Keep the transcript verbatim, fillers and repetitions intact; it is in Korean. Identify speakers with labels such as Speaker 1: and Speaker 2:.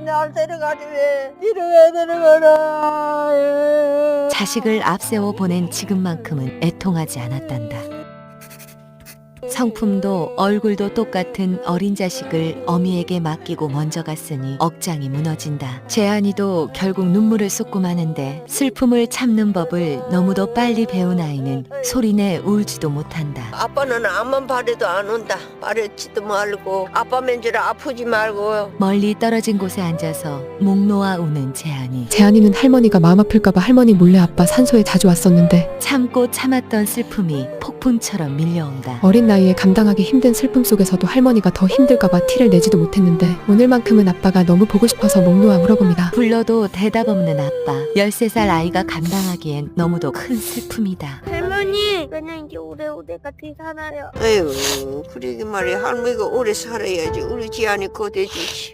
Speaker 1: 날 데려가지 왜 이러게 데려가라.
Speaker 2: 자식을 앞세워 보낸 지금만큼은 애통하지 않았단다. 성품도 얼굴도 똑같은 어린 자식을 어미에게 맡기고 먼저 갔으니 억장이 무너진다. 재한이도 결국 눈물을 쏟고 마는데 슬픔을 참는 법을 너무도 빨리 배운 아이는 소리내 울지도 못한다.
Speaker 1: 아빠는 암만 바래도 안 온다. 바래지도 말고 아빠 맨줄 아프지 말고.
Speaker 2: 멀리 떨어진 곳에 앉아서 목 놓아 우는 재한이.
Speaker 3: 재한이는 할머니가 마음 아플까봐 할머니 몰래 아빠 산소에 자주 왔었는데
Speaker 2: 참고 참았던 슬픔이 폭풍처럼 밀려온다.
Speaker 3: 어린 나이에 감당하기 힘든 슬픔 속에서도 할머니가 더 힘들까봐 티를 내지도 못했는데 오늘만큼은 아빠가 너무 보고 싶어서 목 놓아 물어봅니다.
Speaker 2: 불러도 대답 없는 아빠. 열세 살 아이가 감당하기엔 너무도 큰 슬픔이다.
Speaker 4: 할머니, 그냥 이제 오래오래 같이 살아요.
Speaker 1: 아유, 그러게 말이야. 할머니가 오래 살아야지. 우리 지안이 거대주지.